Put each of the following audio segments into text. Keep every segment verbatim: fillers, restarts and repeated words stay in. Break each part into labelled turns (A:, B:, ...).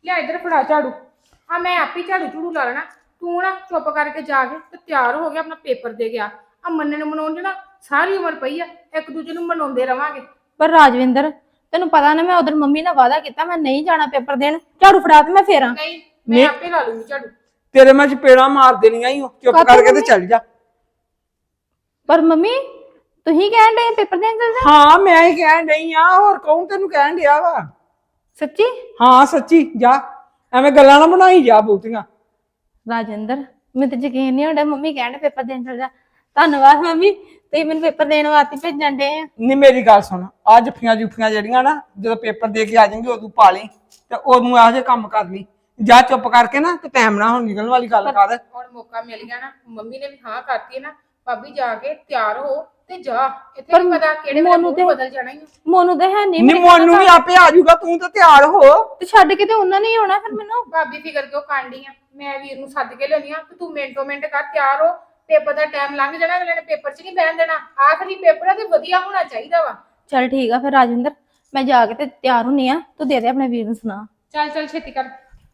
A: ਲਿਆ ਇੱਧਰ ਫੜਾ ਝਾੜੂ। ਆ ਮੈਂ ਆਪੇ ਝਾੜੂ ਝੂੜੂ ਲਾ ਲੈਣਾ, ਤੂੰ ਨਾ ਚੁੱਪ ਕਰਕੇ ਜਾ ਕੇ ਤੇ ਤਿਆਰ ਹੋ ਗਿਆ, ਆਪਣਾ ਪੇਪਰ ਦੇ ਗਿਆ। ਆ ਮੰਨਣ ਮਨਾਉਣ ਨਾ ਸਾਰੀ ਉਮਰ ਪਈ ਆ, ਇੱਕ ਦੂਜੇ ਨੂੰ ਮਨਾਉਂਦੇ ਰਵਾਂਗੇ।
B: ਪਰ ਰਾਜਵਿੰਦਰ ਤੈਨੂੰ ਪਤਾ ਨਾ ਮੈਂ ਉਧਰ ਮੰਮੀ ਨਾਲ ਵਾਅਦਾ ਕੀਤਾ ਮੈਂ ਨਹੀਂ ਜਾਣਾ ਪੇਪਰ ਦੇਣ। ਝਾੜੂ ਫੜਾ ਤੇ ਮੈਂ ਫੇਰਾਂ।
A: ਨਹੀਂ ਮੈਂ ਆਪੇ ਲਾ ਲੂੰਗੀ ਝਾੜੂ।
C: ਤੇਰੇ ਮੈਂ ਚਪੇੜਾ ਮਾਰ ਦੇਣੀਆਂ ਹੀ ਚੁੱਪ ਕਰਕੇ ਤੇ ਚੱਲ ਜਾ।
B: ਪਰ ਮੰਮੀ ਤੁਸੀਂ ਕਹਿਣ ਡਏ ਪੇਪਰ ਦੇਣ ਚੱਲ ਜਾ।
C: ਹਾਂ ਮੈਂ ਹੀ ਕਹਿਣ ਡਈ ਆ, ਹੋਰ ਕੌਣ ਤੈਨੂੰ ਕਹਿਣ ਡਿਆ ਵਾ?
B: ਸੱਚੀ?
C: ਹਾਂ ਸੱਚੀ ਜਾ, ਐਵੇਂ ਗੱਲਾਂ ਨਾ ਬਣਾਈ ਜਾ ਬਹੁਤੀਆਂ।
B: ਰਾਜਵਿੰਦਰ ਮੈਨੂੰ ਤਾਂ ਯਕੀਨ ਨਹੀਂ ਹੁੰਦਾ ਮੰਮੀ ਕਹਿਣ ਪੇਪਰ ਦੇਣ ਚੱਲ ਜਾ। ਧੰਨਵਾਦ ਮੰਮੀ, ਤੁਸੀਂ ਮੈਨੂੰ ਪੇਪਰ ਦੇਣ ਵਾਸਤੇ ਭੇਜਣ ਡੇ ਆ।
C: ਨਹੀਂ ਮੇਰੀ ਗੱਲ ਸੁਣ, ਆ ਜੱਫੀਆਂ ਜੁਫੀਆਂ ਜਿਹੜੀਆਂ ਨਾ ਜਦੋਂ ਪੇਪਰ ਦੇ ਕੇ ਆ ਜਾਏਂਗੇ ਉਦੋਂ ਪਾ ਲਈ ਤੇ ਉਦੋਂ ਇਹੋ ਜਿਹੇ ਕੰਮ ਕਰ ਲਈ। ਜਾ ਚੁੱਪ ਕਰਕੇ ਨਾ ਤੇ ਟਾਈਮ ਨਾ ਹੁਣ ਨਿਕਲਣ ਵਾਲੀ ਗੱਲ ਕਰ।
A: ਹੁਣ ਮੌਕਾ ਮਿਲ ਗਿਆ ਨਾ, ਮੰਮੀ ਨੇ ਵੀ ਹਾਂ ਕਰਤੀ ਨਾ, ਭਾਬੀ ਜਾ ਕੇ ਤਿਆਰ ਹੋ ਤੇ ਜਾ। ਇੱਥੇ ਨਹੀਂ ਪਤਾ ਕਿਹੜੇ ਵੇਲੇ ਬਦਲ ਜਾਣਾ ਹੀ।
B: ਮੋਨੂੰ ਤਾਂ ਹੈ ਨਹੀਂ।
C: ਨਹੀਂ ਮੋਨੂੰ ਵੀ ਆਪੇ ਆ ਜਾਊਗਾ, ਤੂੰ ਤਾਂ ਤਿਆਰ ਹੋ।
B: ਤੇ ਛੱਡ ਕੇ ਤੇ ਉਹਨਾਂ ਨੇ ਹੀ ਆਉਣਾ ਫਿਰ ਮੈਨੂੰ।
A: ਭਾਬੀ ਫਿਕਰ ਕਿਉਂ ਕਾਂਡੀ ਆ, ਮੈਂ ਵੀਰ ਨੂੰ ਸੱਦ ਕੇ ਲਿਆਉਣੀ ਆ ਤੇ ਤੂੰ ਮਿੰਟੋ ਮਿੰਟ ਕਰ ਤਿਆਰ ਹੋ। ਪੇਪਰ ਦਾ ਟਾਈਮ ਲੰਘ ਜਾਣਾ, ਅਗਲੇ ਨੇ ਪੇਪਰ 'ਚ ਨਹੀਂ ਬਹਿਣ ਦੇਣਾ। ਆਖਰੀ ਪੇਪਰ ਆ ਤੇ ਵਧੀਆ ਹੋਣਾ ਚਾਹੀਦਾ ਵਾ।
B: ਚੱਲ ਠੀਕ ਆ ਫਿਰ ਰਾਜਵਿੰਦਰ, ਮੈਂ ਜਾ ਕੇ ਤੇ ਤਿਆਰ ਹੁੰਨੀ ਆ, ਤੂੰ ਦੇ ਦੇ ਆਪਣੇ ਵੀਰ ਨੂੰ ਸੁਣਾ।
A: ਚੱਲ ਚੱਲ ਛੇਤੀ ਕਰ।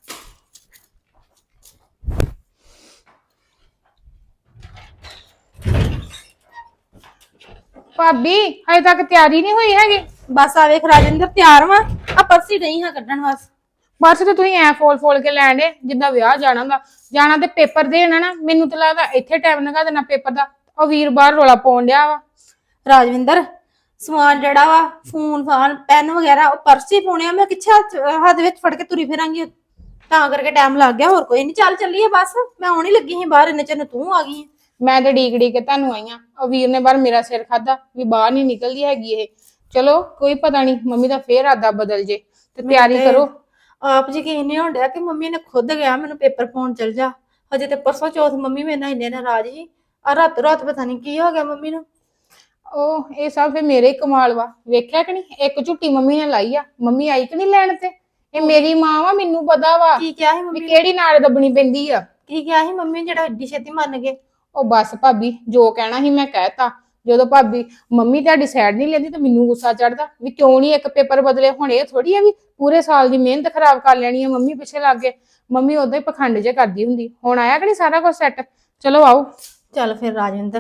A: ਭਾਬੀ ਹਜੇ ਤੱਕ ਤਿਆਰੀ ਨਹੀਂ ਹੋਈ ਹੈਗੀ।
B: ਬਸ ਆ ਵੇਖ ਰਾਜਵਿੰਦਰ ਤਿਆਰ ਵਾਂ, ਆ ਪਰਸੀ ਨਹੀਂ ਹਾਂ ਕੱਢਣ ਬਸ।
A: ਬਸ ਤੇ ਤੁਸੀਂ ਐ ਫੋਲ ਫੋਲ ਕੇ ਲੈਣ ਦੇ ਜਿੱਦਾਂ ਵਿਆਹ ਜਾਣਾ ਹੁੰਦਾ। ਜਾਣਾ ਤੇ ਪੇਪਰ ਦੇਣਾ ਨਾ, ਮੈਨੂੰ ਤਾਂ ਲੱਗਦਾ ਇੱਥੇ ਟਾਈਮ ਲਗਾ ਦੇਣਾ ਪੇਪਰ ਦਾ। ਉਹ ਵੀਰ ਬਾਹਰ ਰੋਲਾ ਪਾਉਣ ਡਿਆ ਵਾ।
B: ਰਾਜਵਿੰਦਰ ਸਮਾਨ ਜਿਹੜਾ ਵਾ ਫੋਨ ਫਾਨ ਪੈਨ ਵਗੈਰਾ ਉਹ ਪਰਸੀ ਪਾਉਣੇ ਆ, ਮੈਂ ਕਿੱਛਾ ਹੱਥ ਵਿੱਚ ਫੜ ਕੇ ਤੁਰੀ ਫਿਰਾਂਗੀ, ਤਾਂ ਕਰਕੇ ਟਾਈਮ ਲੱਗ ਗਿਆ। ਹੋਰ ਕੋਈ ਨਹੀਂ, ਚੱਲ ਚੱਲੀਏ ਬਸ। ਮੈਂ ਆਉਣ ਹੀ ਲੱਗੀ ਸੀ ਬਾਹਰ, ਇੰਨੇ ਚਿਰ ਨੂੰ ਤੂੰ ਆ ਗਈ।
A: ਮੈਂ ਤੇ ਡੀਕ ਡੀਕ ਕੇ ਤੁਹਾਨੂੰ ਆਈ ਆ। ਉਹ ਵੀਰ ਨੇ ਬਾਹਰ ਮੇਰਾ ਸਿਰ ਖਾਦਾ ਵੀ ਬਾਹਰ ਨਹੀਂ ਨਿਕਲਦੀ ਹੈਗੀ ਇਹ। ਚਲੋ ਕੋਈ ਪਤਾ ਨਹੀਂ, ਮੰਮੀ ਦਾ ਫੇਰ ਆਦਾ ਬਦਲ ਜੇ ਤੇ ਤਿਆਰੀ ਕਰੋ।
B: ਆਪ ਯਕੀਨ ਨਹੀਂ ਹੋਣ ਡਿਆ ਕਿ ਮੰਮੀ ਨੇ ਖੁਦ ਗਿਆ ਮੈਨੂੰ ਪੇਪਰ ਪਾਉਣ ਚਲ ਜਾ। ਹਜੇ ਤੇ ਪਰਸੋਂ ਚੌਥ ਮੰਮੀ ਮੇਰੇ ਨਾਲ ਇੰਨੇ ਨਾਰਾਜ਼ ਸੀ, ਆ ਰਾਤ ਰਾਤ ਪਤਾ ਨਹੀਂ ਕੀ ਹੋ ਗਿਆ ਮੰਮੀ ਨੂੰ।
A: ਉਹ ਇਹ ਸਭ ਫੇ ਮੇਰੇ ਹੀ ਕਮਾਲ ਵਾ। ਵੇਖਿਆ ਕਿ ਨਹੀਂ, ਇੱਕ ਝੁੱਟੀ ਮੰਮੀ ਨੇ ਲਾਈ ਆ, ਮੰਮੀ ਆਈ ਕਿ ਨਹੀਂ ਲੈਣ ਤੇ। ਇਹ ਮੇਰੀ ਮਾਂ ਵਾ, ਮੈਨੂੰ ਪਤਾ ਵਾ
B: ਕੀ ਕਿਹਾ ਸੀ
A: ਵੀ
B: ਮੰਮੀ?
A: ਕਿਹੜੀ ਨਾੜ ਦੱਬਣੀ ਪੈਂਦੀ ਆ।
B: ਕੀ ਕਿਹਾ ਸੀ ਮੰਮੀ ਜਿਹੜਾ ਏਡੀ ਛੇਤੀ ਮੰਨ ਗਏ?
A: ਉਹ ਬਸ ਭਾਬੀ ਜੋ ਕਹਿਣਾ ਸੀ ਮੈਂ ਕਹਿਤਾ। ਜਦੋਂ ਭਾਬੀ ਮੰਮੀ ਤੁਹਾਡੀ ਸਾਈਡ ਨਹੀਂ ਲੈਂਦੀ ਤਾਂ ਮੈਨੂੰ ਗੁੱਸਾ ਚੜਦਾ ਵੀ ਕਿਉਂ ਨਹੀਂ ਇੱਕ ਪੇਪਰ ਬਦਲੇ। ਹੁਣ ਇਹ ਥੋੜੀ ਆ ਵੀ ਪੂਰੇ ਸਾਲ ਦੀ ਮਿਹਨਤ ਖਰਾਬ ਕਰ ਲੈਣੀ ਆ ਮੰਮੀ ਪਿੱਛੇ ਲੱਗ ਗਏ। ਮੰਮੀ ਉਦਾਂ ਹੀ ਪਖੰਡ ਜੇ ਕਰਦੀ ਹੁੰਦੀ। ਹੁਣ ਆਇਆ ਕਿ ਨਹੀਂ ਸਾਰਾ ਕੁਝ ਸੈੱਟ? ਚਲੋ ਆਓ।
B: ਚੱਲ ਫਿਰ ਰਾਜਵਿੰਦਰ।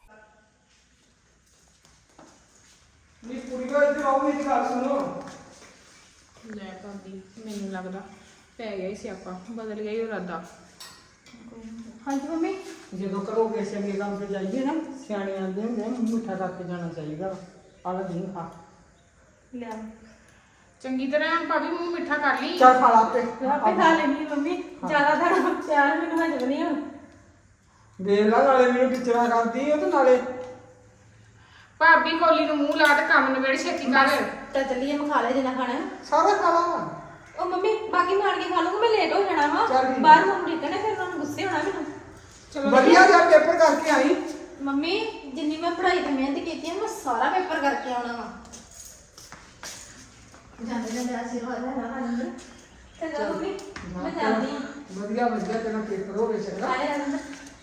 C: ਨੀ ਕੁੜੀਓ ਇੱਧਰ ਆਓ, ਮੇਰੀ ਗੱਲ ਸੁਣੋ।
A: ਲੈ ਭਾਬੀ ਮੈਨੂੰ ਲੱਗਦਾ ਪੈ ਗਿਆ ਹੀ ਸਿਆਪਾ, ਬਦਲ ਗਿਆ ਹੀ ਇਰਾਦਾ।
B: ਹਾਂਜੀ ਮੰਮੀ।
C: ਜਦੋਂ ਕਰੋਗੇ ਚੰਗੇ ਕੰਮ ਤੇ ਜਾਈਏ ਨਾ, ਸਿਆਣੇ ਆਂਦੇ ਹੁੰਦੇ ਮੂੰਹ ਮਿੱਠਾ ਕਰਕੇ ਜਾਣਾ ਚਾਹੀਦਾ। ਆਲਾ ਨਹੀਂ ਖਾ
B: ਲਿਆ
A: ਚੰਗੀ ਤਰ੍ਹਾਂ ਭਾਬੀ ਮੂੰਹ ਮਿੱਠਾ ਕਰ ਲਈ।
C: ਚੱਲ ਖਾ ਲਾ ਆਪੇ।
B: ਆਪੇ ਖਾ ਲੈਣੀ ਮੰਮੀ, ਜ਼ਿਆਦਾ ਤਾਂ ਪਿਆਰ ਮੈਨੂੰ ਹਜਮ ਨਹੀਂ ਹੁਣ।
C: ਵੇਖ ਲਾ, ਨਾਲੇ ਮੈਨੂੰ ਟੀਚਰਾਂ ਕਰਦੀ ਉਹ ਤੇ ਨਾਲੇ
A: ਭਾਬੀ ਕੋਲੀ ਨੂੰ ਮੂੰਹ ਲਾ ਤੇ ਕੰਮ ਨਵੇੜ ਛੇਤੀ ਕਰ।
B: ਤਾਂ ਚੱਲੀਏ, ਮੈਂ ਖਾ ਲਿਆ ਜਿੰਨਾ ਖਾਣਾ।
C: ਸਾਰਾ ਖਾ ਲਾ।
B: ਉਹ ਮੰਮੀ ਬਾਕੀ ਮਾਰ ਕੇ ਖਾ ਲੂੰਗਾ, ਮੈਂ ਲੇਟ ਹੋ ਜਾਣਾ ਵਾ
C: ਚੱਲ ਠੀਕ।
B: ਬਾਹਰ ਮੰਮੀ ਡਿੱਗਣਾ, ਫਿਰ ਉਹਨਾਂ ਨੂੰ ਗੁੱਸੇ ਹੋਣਾ ਮੈਨੂੰ।
A: ਚਲੋ
C: ਵਧੀਆ ਜਿਹਾ ਪੇਪਰ ਕਰਕੇ ਆਈ।
B: ਮੰਮੀ ਜਿੰਨੀ ਮੈਂ ਪੜ੍ਹਾਈ ਤੇ ਮਿਹਨਤ ਕੀਤੀ ਹੈ, ਮੈਂ ਸਾਰਾ ਪੇਪਰ ਕਰਕੇ ਆਉਣਾ ਵਾ। ਜਾਂਦੇ ਜਾਂਦੇ ਆਸ਼ੀਰਵਾਦ ਲੈਣਾ ਰਾਜਿੰਦਰ। ਚੰਗਾ ਮੰਮੀ ਮੈਂ ਜਾਂਦੀ ਹਾਂ।
C: ਵਧੀਆ ਵਧੀਆ ਤੇਰਾ ਪੇਪਰ ਹੋਵੇ ਚੰਗਾ।
B: ਹਾਏ ਰਾਜਿੰਦਰ।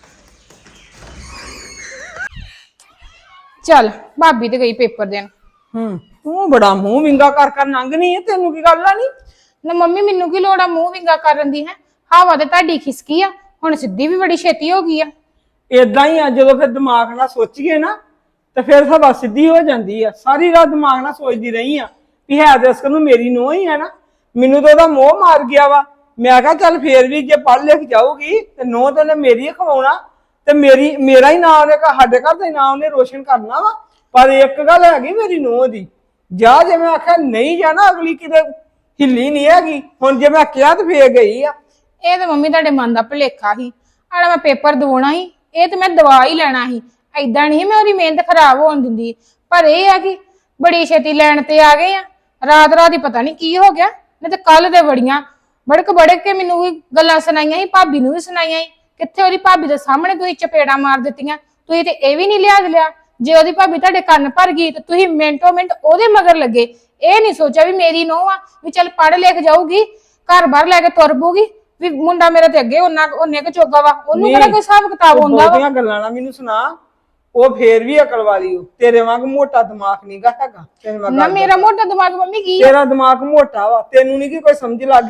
A: ਚੱਲ ਭਾਬੀ ਤੇ ਗਈ ਪੇਪਰ ਦੇਣ।
C: ਹੂੰ ਤੂੰ ਬੜਾ ਮੂੰਹ ਵਿੰਗਾ ਕਰ ਕਰ ਲੰਘਣੀ ਹੈ, ਤੈਨੂੰ ਕੀ ਗੱਲ ਆ? ਨਹੀਂ
A: ਨਾ ਮੰਮੀ ਮੈਨੂੰ ਕੀ ਲੋੜ ਆ ਮੂੰਹ ਵਿੰਗਾ ਕਰਨ ਦੀ? ਹੈ ਹਵਾ ਤੇ ਤੁਹਾਡੀ ਖਿਸਕੀ ਆ, ਹੁਣ ਸਿੱਧੀ ਵੀ ਬੜੀ ਛੇਤੀ ਹੋ ਗਈ ਆ।
C: ਏਦਾਂ ਹੀ ਆ, ਜਦੋਂ ਫਿਰ ਦਿਮਾਗ ਨਾਲ ਸੋਚੀਏ ਨਾ ਤੇ ਫਿਰ ਹਵਾ ਸਿੱਧੀ ਹੋ ਜਾਂਦੀ ਆ। ਸਾਰੀ ਰਾਤ ਦਿਮਾਗ ਨਾਲ ਸੋਚਦੀ ਰਹੀ ਆ ਵੀ ਹੈ ਤੇ ਅਸਕਰ ਨੂੰ ਮੇਰੀ ਨੂੰਹ ਹੀ ਹੈ ਨਾ। ਮੈਨੂੰ ਤਾਂ ਉਹਦਾ ਮੋਹ ਮਾਰ ਗਿਆ ਵਾ। ਮੈਂ ਕਿਹਾ ਚੱਲ ਫੇਰ ਵੀ ਜੇ ਪੜ੍ਹ ਲਿਖ ਜਾਊਗੀ ਤੇ ਨੂੰਹ ਤੇ ਉਹਨੇ ਮੇਰੀ ਖਵਾਉਣਾ ਤੇ ਮੇਰੀ ਮੇਰਾ ਹੀ ਨਾਂ ਉਹਨੇ ਸਾਡੇ ਘਰ ਦਾ ਨਾਂ ਉਹਨੇ ਰੋਸ਼ਨ ਕਰਨਾ ਵਾ। ਪਰ ਇੱਕ ਗੱਲ ਹੈਗੀ ਮੇਰੀ ਨੂੰਹ ਦੀ, ਜਾ ਜੇ ਮੈਂ ਆਖਿਆ ਨਹੀਂ ਜਾਣਾ ਅਗਲੀ ਕਿਤੇ ਹਿੱਲੀ ਨਹੀਂ ਹੈਗੀ। ਹੁਣ ਜੇ ਮੈਂ ਕਿਹਾ ਤੇ ਫੇਰ ਗਈ ਆ।
A: ਇਹ ਤੇ ਮੰਮੀ ਤੁਹਾਡੇ ਮਨ ਦਾ ਭੁਲੇਖਾ ਸੀ। ਆੜਾ ਮੈਂ ਪੇਪਰ ਦਵਾਉਣਾ ਸੀ, ਇਹ ਤੇ ਮੈਂ ਦਵਾ ਹੀ ਲੈਣਾ ਸੀ। ਏਦਾਂ ਨਹੀਂ ਮੈਂ ਉਹਦੀ ਮਿਹਨਤ ਖਰਾਬ ਹੋਣ ਦਿੰਦੀ। ਪਰ ਇਹ ਆ ਕਿ ਬੜੀ ਛੇਤੀ ਲੈਣ ਤੇ ਆ ਗਏ ਆ। ਰਾਤ ਰਾਤ ਹੀ ਪਤਾ ਨਹੀਂ ਕੀ ਹੋ ਗਿਆ। ਨਹੀਂ ਤੇ ਕੱਲ ਦੇ ਬੜੀਆਂ ਬੜਕ ਬੜਕ ਕੇ ਮੈਨੂੰ ਵੀ ਗੱਲਾਂ ਸੁਣਾਈਆਂ ਸੀ, ਭਾਬੀ ਨੂੰ ਵੀ ਸੁਣਾਈਆਂ ਸੀ। ਕਿੱਥੇ ਉਹਦੀ ਭਾਬੀ ਦੇ ਸਾਹਮਣੇ ਤੁਸੀਂ ਚਪੇੜਾ ਮਾਰ ਦਿੱਤੀਆਂ। ਤੁਸੀਂ ਤੇ ਇਹ ਵੀ ਨਹੀਂ ਲਿਆਜ ਲਿਆ। ਜੇ ਉਹਦੀ ਭਾਬੀ ਤੁਹਾਡੇ ਕੰਨ ਭਰ ਗਈ ਤੇ ਤੁਸੀਂ ਮਿੰਟੋ ਮਿੰਟ ਉਹਦੇ ਮਗਰ ਲੱਗੇ। ਇਹ ਨਹੀਂ ਸੋਚਿਆ ਵੀ ਮੇਰੀ ਨੂੰਹ ਆ, ਵੀ ਚੱਲ ਪੜ੍ਹ ਲਿਖ ਜਾਊਗੀ, ਘਰ ਬਾਹਰ ਲੈ ਕੇ ਤੁਰ ਪਊਗੀ, ਵੀ ਮੁੰਡਾ ਮੇਰੇ ਤੇ ਅੱਗੇ ਉਹਨਾਂ ਉਹਨੇ ਕੁ ਚੋਗਾ ਵਾ, ਉਹਨੂੰ ਕਿਹੜਾ ਕੋਈ ਹਿਸਾਬ ਕਿਤਾਬ ਹੁੰਦਾ ਵਾ।
C: ਬਹੁਤੀਆਂ ਗੱਲਾਂ ਨਾ ਮੈਨੂੰ ਸੁਣਾ। ਉਹ ਫੇਰ ਵੀ ਅਕਲ ਵਾਲੀ ਹੋ, ਤੇਰੇ ਵਾਂਗ ਮੋਟਾ ਦਿਮਾਗ ਨਹੀਂਗਾ ਹੈਗਾ।
A: ਨਾ ਮੇਰਾ ਮੋਟਾ ਦਿਮਾਗ ਮੰਮੀ ਕੀ
C: ਤੇਰਾ ਦਿਮਾਗ ਮੋਟਾ ਵਾ, ਤੈਨੂੰ ਨਹੀਂ ਕੀ ਕੋਈ ਸਮਝ ਲੱਗਦੀ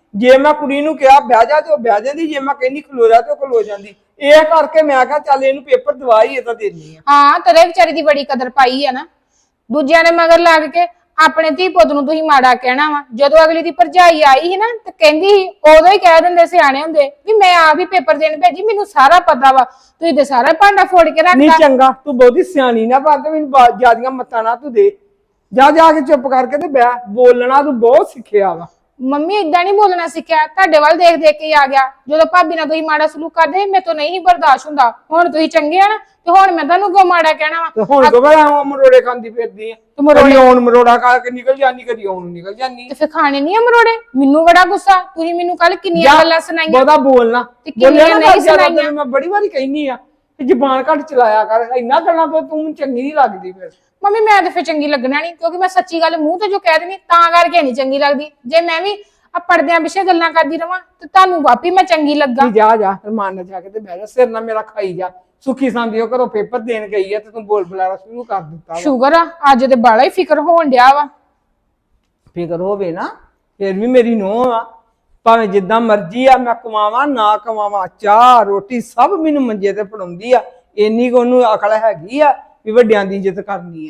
C: ਜੇ ਮੈਂ ਕੁੜੀ ਨੂੰ ਕਿਹਾ ਬਹਿ ਜਾ ਤੇ ਉਹ ਬਹਿ ਜਾਂਦੀ, ਜੇ ਮੈਂ ਕਹਿੰਦੀ ਖਲੋ ਜਾ ਤੇ ਉਹ ਖਲੋ ਜਾਂਦੀ। ਇਹ ਕਰਕੇ ਮੈਂ ਕਿਹਾ ਚੱਲ ਇਹਨੂੰ ਪੇਪਰ ਦਵਾ ਹੀ ਇਹ ਤਾਂ ਦੇਣੀ ਆ।
A: ਹਾਂ ਤੇਰੇ ਵਿਚਾਰੀ ਦੀ ਬੜੀ ਕਦਰ ਪਾਈ ਆ ਨਾ, ਦੂਜਿਆਂ ਦੇ ਮਗਰ ਲੱਗ ਕੇ ਆਪਣੇ ਧੀ ਪੁੱਤ ਨੂੰ ਤੁਸੀਂ ਮਾੜਾ ਕਹਿਣਾ ਵਾ। ਜਦੋਂ ਅਗਲੀ ਦੀ ਭਰਜਾਈ ਆਈ ਸੀ ਨਾ ਤੇ ਕਹਿੰਦੀ ਸੀ, ਉਦੋਂ ਹੀ ਕਹਿ ਦਿੰਦੇ ਸਿਆਣੇ ਹੁੰਦੇ ਵੀ ਮੈਂ ਆਪ ਹੀ ਪੇਪਰ ਦੇਣ ਭੇਜੀ, ਮੈਨੂੰ ਸਾਰਾ ਪਤਾ ਵਾ, ਤੁਸੀਂ ਤੇ ਸਾਰਾ ਭਾਂਡਾ ਫੋੜ ਕੇ
C: ਨਹੀਂ
A: ਰੱਖਤਾ।
C: ਚੰਗਾ ਤੂੰ ਬਹੁਤੀ ਸਿਆਣੀ ਨਾ ਬਣ ਤੇ ਮੈਨੂੰ ਬਾ- ਜ਼ਿਆਦੀਆਂ ਮੱਤਾਂ ਨਾ ਤੂੰ ਦੇ। ਜਾ ਜਾ ਕੇ ਚੁੱਪ ਕਰਕੇ ਤੇ ਬਹਿ, ਬੋਲਣਾ ਤੂੰ ਬਹੁਤ ਸਿੱਖਿਆ ਵਾ।
A: ਮੰਮੀ ਏਦਾਂ ਨਹੀਂ ਬੋਲਣਾ ਸਿੱਖਿਆ, ਤੁਹਾਡੇ ਵੱਲ ਦੇਖ ਦੇਖ ਕੇ ਆ ਗਿਆ। ਜਦੋਂ ਭਾਬੀ ਨਾਲ ਤੁਸੀਂ ਮਾੜਾ ਸਲੂਕ ਕਰਦੇ ਮੇਰੇ ਤੋਂ ਨਹੀਂ ਬਰਦਾਸ਼ਤ ਹੁੰਦਾ। ਹੁਣ ਤੁਸੀਂ ਚੰਗੇ ਆ ਨਾ ਤੇ ਹੁਣ ਮੈਂ ਤੁਹਾਨੂੰ ਕਿਉਂ ਮਾੜਾ ਕਹਿਣਾ ਵਾ?
C: ਤੇ ਹੁਣ ਕੋ ਬੜਾ ਮਰੋੜੇ ਖਾਂਦੀ ਫਿਰਦੀ ਆ,
A: ਤੇ ਮਰੋੜੇ
C: ਕਦੀ ਆਉਣ ਮਰੋੜਾ ਖਾ ਕੇ ਨਿਕਲ ਜਾਂਦੀ, ਕਦੀ ਆਉਣ ਨੂੰ ਨਿਕਲ ਜਾਂਦੀ।
A: ਤੇ ਫਿਰ ਖਾਣੇ ਨਹੀਂ ਆ ਮਰੋੜੇ? ਮੈਨੂੰ ਬੜਾ ਗੁੱਸਾ, ਤੁਸੀਂ ਮੈਨੂੰ ਕੱਲ ਕਿੰਨੀਆਂ
C: ਜਾ,
A: ਗੱਲਾਂ ਸੁਣਾਈਆਂ।
C: ਬਹੁਤਾ ਬੋਲਣਾ
A: ਤੇ ਕਿੰਨੀਆਂ
C: ਬੋਲਿਆ ਨਾ
A: ਨਹੀਂ
C: ਕਰ ਜ਼ਿਆਦਾ,
A: ਸੁਣਾਈਆਂ।
C: ਤੈਨੂੰ ਮੈਂ ਬੜੀ ਵਾਰੀ ਕਹਿੰਦੀ ਆ ਕਿ ਜ਼ਬਾਨ ਘੱਟ ਚਲਾਇਆ ਕਰ, ਇੰਨਾ ਗੱਲਾਂ ਤੋਂ ਤੂੰ ਚੰਗੀ ਨਹੀਂ ਲੱਗਦੀ। ਫਿਰ
A: ਮੰਮੀ ਮੈਂ ਤੇ ਫਿਰ ਚੰਗੀ ਲੱਗਣਾ ਨਹੀਂ, ਕਿਉਂਕਿ ਮੈਂ ਸੱਚੀ ਗੱਲ ਮੂੰਹ ਤੇ ਜੋ ਕਹਿ ਦੇਣੀ ਤਾਂ ਕਰਕੇ ਨਹੀਂ ਚੰਗੀ ਲੱਗਦੀ। ਜੇ ਮੈਂ ਵੀ ਆ ਪਰਦਿਆਂ ਪਿੱਛੇ ਗੱਲਾਂ ਕਰਦੀ ਰਵਾਂ ਤੇ ਤੁਹਾਨੂੰ ਵਾਪੀ ਮੈਂ ਚੰਗੀ ਲੱਗਾ।
C: ਨਹੀਂ ਜਾ ਜਾ ਰਮਾਨ ਨਾਲ ਜਾ ਕੇ ਤੇ ਬਹਿ ਜਾ, ਸਿਰ ਨਾ ਮੇਰਾ ਖਾਈ ਜਾ। ਸੁੱਖੀ ਸੰਦੀ ਉਹ ਘਰੋਂ ਪੇਪਰ ਦੇਣ ਗਈ ਆ ਤੇ ਤੂੰ ਬੋਲ ਬੁਲਾਰਾ ਸ਼ੁਰੂ ਕਰ ਦਿੱਤਾ ਵਾ।
A: ਸ਼ੂਗਰ ਆ ਅੱਜ ਤੇ ਬਾਲਾ ਹੀ ਫਿਕਰ ਹੋਣ ਡਿਆ ਵਾ।
C: ਫਿਕਰ ਹੋਵੇ ਨਾ, ਫਿਰ ਵੀ ਮੇਰੀ ਨੂੰਹ ਆ, ਭਾਵੇਂ ਜਿੱਦਾਂ ਮਰਜ਼ੀ ਆ, ਮੈਂ ਕਮਾਵਾਂ ਨਾ ਕਮਾਵਾਂ, ਚਾਹ ਰੋਟੀ ਸਭ ਮੈਨੂੰ ਮੰਜੇ ਤੇ ਫੜਾਉਂਦੀ ਆ। ਇੰਨੀ ਕੁ ਉਹਨੂੰ ਅਕਲ ਹੈਗੀ ਆ ਵੀ ਵੱਡਿਆਂ ਦੀ ਇੱਜ਼ਤ ਕਰਨੀ ਆ।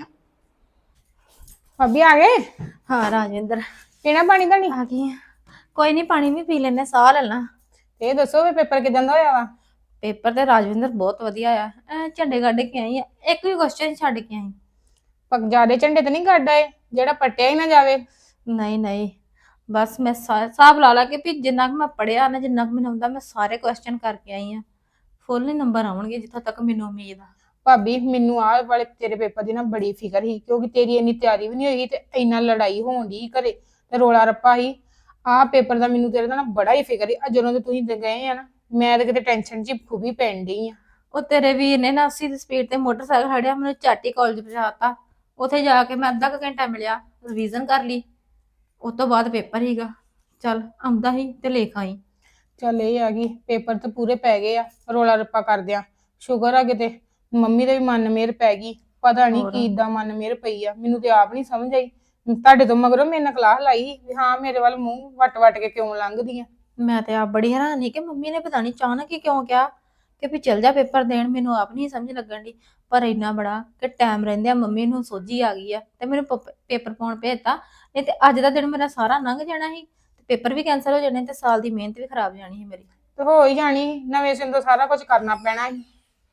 A: ਭਾਬੀ ਆ ਗਏ?
B: ਹਾਂ ਰਾਜਵਿੰਦਰ
A: ਪੀਣਾ ਪਾਣੀ ਤਾਂ ਨਹੀਂ?
B: ਆ ਗਈ ਆ। ਕੋਈ ਨਹੀਂ ਪਾਣੀ ਵੀ ਪੀ ਲੈਣੇ, ਸਾਹ ਲੈ ਲਾਂ।
A: ਇਹ ਦੱਸੋ ਵੀ ਪੇਪਰ ਕਿਦਾਂ ਦਾ ਹੋਇਆ ਵਾ?
B: ਪੇਪਰ ਤੇ ਰਾਜਵਿੰਦਰ ਬਹੁਤ ਵਧੀਆ ਆ। ਐ ਝੰਡੇ ਕੱਢ ਕੇ ਆਈ ਆ, ਇੱਕ ਵੀ ਕੁਐਸਚਨ ਛੱਡ ਕੇ ਆਈ।
A: ਪੱਕ ਜਿਆਦੇ ਝੰਡੇ ਤੇ ਨਹੀਂ ਕੱਢ ਆਏ ਜਿਹੜਾ ਪੱਟਿਆ ਹੀ ਨਾ ਜਾਵੇ?
B: ਨਹੀਂ ਨਹੀਂ, ਬਸ ਮੈਂ ਸਾ- ਹਿਸਾਬ ਲਾ ਲਾ ਕੇ ਵੀ ਜਿੰਨਾ ਕੁ ਮੈਂ ਪੜਿਆ ਨਾ, ਜਿੰਨਾ ਕੁ ਮੈਨੂੰ ਆਉਂਦਾ, ਮੈਂ ਸਾਰੇ ਕੁਐਸਚਨ ਕਰਕੇ ਆਈ ਆ। ਫੁੱਲ ਹੀ ਨੰਬਰ ਆਉਣਗੇ ਜਿੱਥੋਂ ਤੱਕ ਮੈਨੂੰ ਉਮੀਦ ਆ।
A: ਭਾਬੀ ਮੈਨੂੰ ਆਹ ਵਾਲੇ ਤੇਰੇ ਪੇਪਰ ਦੀ ਨਾ ਬੜੀ ਫਿਕਰ ਸੀ, ਕਿਉਂਕਿ ਤੇਰੀ ਇੰਨੀ ਤਿਆਰੀ ਵੀ ਨਹੀਂ ਹੋਈ ਤੇ ਇੰਨਾ ਲੜਾਈ ਹੋਣ ਦੀ ਘਰੇ ਤੇ ਰੋਲਾ ਰੱਪਾ ਸੀ। ਆਹ ਪੇਪਰ ਦਾ ਮੈਨੂੰ ਤੇਰੇ ਦਾ ਨਾ ਬੜਾ ਹੀ ਫਿਕਰ ਸੀ। ਆ ਜਦੋਂ ਦੇ ਤੁਸੀਂ ਤੇ ਗਏ ਆ ਨਾ, ਮੈਂ ਤਾਂ ਕਿਤੇ ਟੈਨਸ਼ਨ ਚ ਖੂਬੀ ਪੈਣ ਡਈ ਆ।
B: ਉਹ ਤੇਰੇ ਵੀਰ ਨੇ ਨਾ ਅੱਸੀ ਦੀ ਸਪੀਡ ਤੇ ਮੋਟਰਸਾਈਕਲ ਖੜਿਆ, ਮੈਨੂੰ ਚਾਟੀ ਕਾਲਜ ਪਹੁੰਚਾਤਾ। ਉੱਥੇ ਜਾ ਕੇ ਮੈਂ ਅੱਧਾ ਕੁ ਘੰਟਾ ਮਿਲਿਆ, ਰਿਵੀਜ਼ਨ ਕਰ ਲਈ। ਉਸ ਤੋਂ ਬਾਅਦ ਪੇਪਰ ਹੀਗਾ। ਚੱਲ ਆਉਂਦਾ ਹੀ ਤੇ ਲਿਖ ਆਈ।
A: ਚੱਲ ਇਹ ਆ ਗਈ, ਪੇਪਰ ਤਾਂ ਪੂਰੇ ਪੈ ਗਏ ਆ ਰੋਲਾ ਰੱਪਾ ਕਰਦਿਆਂ। ਸ਼ੁਕਰ ਆ ਕਿਤੇ ਮੰਮੀ ਦੇ ਵੀ ਮਨ ਮੇਰ ਪੈ ਗਈ। ਪਤਾ ਨਹੀਂ ਕੀ ਏਦਾਂ ਮਨ ਮੇਰ ਪਈ ਆ, ਮੈਨੂੰ ਤੇ ਆਪ ਨਹੀਂ ਸਮਝ ਆਈ। ਤੁਹਾਡੇ ਤੋਂ ਮਗਰੋਂ ਮੇਰੇ ਨਾਲ ਕਲਾਸ ਲਾਈ ਵੀ ਹਾਂ ਮੇਰੇ ਵੱਲ ਮੂੰਹ ਵੱਟ ਵੱਟ ਕੇ ਕਿਉਂ ਲੰਘਦੀ ਆ।
B: ਮੈਂ ਤੇ ਆਪ ਬੜੀ ਹੈਰਾਨ ਸੀ ਕਿ ਮੰਮੀ ਨੇ ਪਤਾ ਨਹੀਂ ਅਚਾਨਕ ਹੀ ਕਿਉਂ ਕਿਹਾ ਕਿ ਵੀ ਚੱਲ ਜਾ ਪੇਪਰ ਦੇਣ। ਮੈਨੂੰ ਆਪ ਨਹੀਂ ਸਮਝ ਲੱਗਣ ਦੀ, ਪਰ ਇੰਨਾ ਬੜਾ ਕਿ ਟਾਈਮ ਰਹਿੰਦਿਆਂ ਮੰਮੀ ਨੂੰ ਸੋਝੀ ਆ ਗਈ ਆ ਤੇ ਮੈਨੂੰ ਪ- ਪੇਪਰ ਪਾਉਣ ਭੇਜਤਾ। ਨਹੀਂ ਤੇ ਅੱਜ ਦਾ ਦਿਨ ਮੇਰਾ ਸਾਰਾ ਲੰਘ ਜਾਣਾ ਸੀ ਤੇ ਪੇਪਰ ਵੀ ਕੈਂਸਲ ਹੋ ਜਾਣੇ ਤੇ ਸਾਲ ਦੀ ਮਿਹਨਤ ਵੀ ਖਰਾਬ ਜਾਣੀ ਸੀ ਮੇਰੀ।
A: ਤੇ ਹੋ ਹੀ ਜਾਣੀ ਸੀ, ਨਵੇਂ ਸਿਰ ਤੋਂ ਸਾਰਾ ਕੁਝ ਕਰਨਾ ਪੈਣਾ ਸੀ।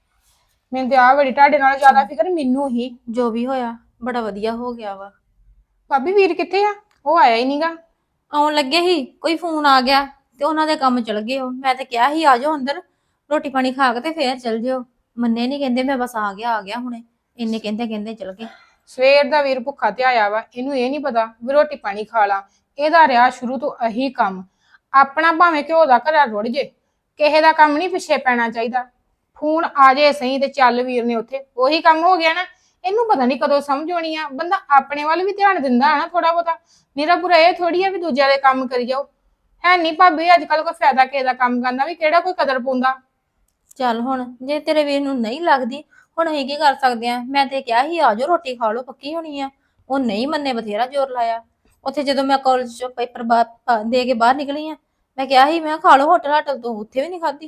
A: ਮੈਨੂੰ ਤੇ ਆਹ ਬੜੀ ਤੁਹਾਡੇ ਨਾਲ ਜ਼ਿਆਦਾ ਫਿਕਰ ਮੈਨੂੰ ਹੀ।
B: ਜੋ ਵੀ ਹੋਇਆ ਬੜਾ ਵਧੀਆ ਹੋ ਗਿਆ ਵਾ।
A: ਭਾਬੀ ਵੀਰ ਕਿੱਥੇ ਆ? ਉਹ ਆਇਆ ਹੀ ਨਹੀਂਗਾ।
B: ਆਉਣ ਲੱਗੇ ਸੀ, ਕੋਈ ਫੋਨ ਆ ਗਿਆ ਤੇ ਉਹਨਾਂ ਦੇ ਕੰਮ ਚਲ ਗਏ। ਉਹ ਮੈਂ ਤੇ ਕਿਹਾ ਸੀ ਆ ਜਾਓ ਅੰਦਰ, ਰੋਟੀ ਪਾਣੀ ਖਾ ਕੇ ਤੇ ਫੇਰ ਚਲ ਜਿਓ। ਮੰਨੇ ਨਹੀਂ, ਕਹਿੰਦੇ ਮੈਂ ਬਸ ਆ ਗਿਆ ਆ ਗਿਆ ਹੁਣੇ। ਇੰਨੇ ਕਹਿੰਦੇ ਕਹਿੰਦੇ ਚਲ ਗਏ।
A: ਸਵੇਰ ਦਾ ਵੀਰ ਭੁੱਖਾ ਤੇ ਆਇਆ ਵਾ, ਇਹਨੂੰ ਇਹ ਨਹੀਂ ਪਤਾ ਵੀ ਰੋਟੀ ਪਾਣੀ ਖਾ ਲਾ। ਇਹਦਾ ਰਿਹਾ ਸ਼ੁਰੂ ਤੋਂ ਇਹੀ ਕੰਮ, ਆਪਣਾ ਭਾਵੇਂ ਘਿਓ ਦਾ ਘੜਾ ਰੁੜ ਜੇ, ਕਿਸੇ ਦਾ ਕੰਮ ਨਹੀਂ ਪਿੱਛੇ ਪੈਣਾ ਚਾਹੀਦਾ। ਫੋਨ ਆ ਜੇ ਸਹੀ ਤੇ ਚੱਲ ਵੀਰ ਨੇ ਉੱਥੇ, ਉਹੀ ਕੰਮ ਹੋ ਗਿਆ ਨਾ। ਇਹਨੂੰ ਪਤਾ ਨਹੀਂ ਕਦੋਂ ਸਮਝ ਆਉਣੀ ਆ। ਬੰਦਾ ਆਪਣੇ ਵੱਲ ਵੀ ਧਿਆਨ ਦਿੰਦਾ ਨਾ ਥੋੜਾ ਬਹੁਤਾ, ਮੇਰਾ ਪੂਰਾ ਇਹ ਥੋੜੀ ਆ ਵੀ ਦੂਜਿਆਂ ਦੇ ਕੰਮ ਕਰੀ ਜਾਓ। ਹੈ ਨਹੀਂ ਭਾਬੀ ਅੱਜ ਕੱਲ ਕੋਈ ਫਾਇਦਾ ਕਿਸੇ ਦਾ ਕੰਮ ਕਰਨਾ ਵੀ, ਕਿਹੜਾ ਕੋਈ ਕਦਰ ਪਾਉਂਦਾ।
B: ਚੱਲ ਹੁਣ ਜੇ ਤੇਰੇ ਵੀਰ ਨੂੰ ਨਹੀਂ ਲੱਗਦੀ, ਹੁਣ ਅਸੀਂ ਕੀ ਕਰ ਸਕਦੇ ਆ। ਮੈਂ ਤੇ ਕਿਹਾ ਸੀ ਆ ਜਾਓ ਰੋਟੀ ਖਾ ਲਓ, ਪੱਕੀ ਹੋਣੀ ਆ। ਉਹ ਨਹੀਂ ਮੰਨੇ, ਬਥੇਰਾ ਜ਼ੋਰ ਲਾਇਆ। ਉੱਥੇ ਜਦੋਂ ਮੈਂ ਕਾਲਜ ਚੋਂ ਪੇਪਰ ਬਾਅਦ ਦੇ ਕੇ ਬਾਹਰ ਨਿਕਲੀ ਆ, ਮੈਂ ਕਿਹਾ ਸੀ ਮੈਂ ਖਾ ਲਓ ਹੋਟਲ ਹਾਟਲ ਤੋਂ, ਉੱਥੇ ਵੀ ਨਹੀਂ ਖਾਧੀ।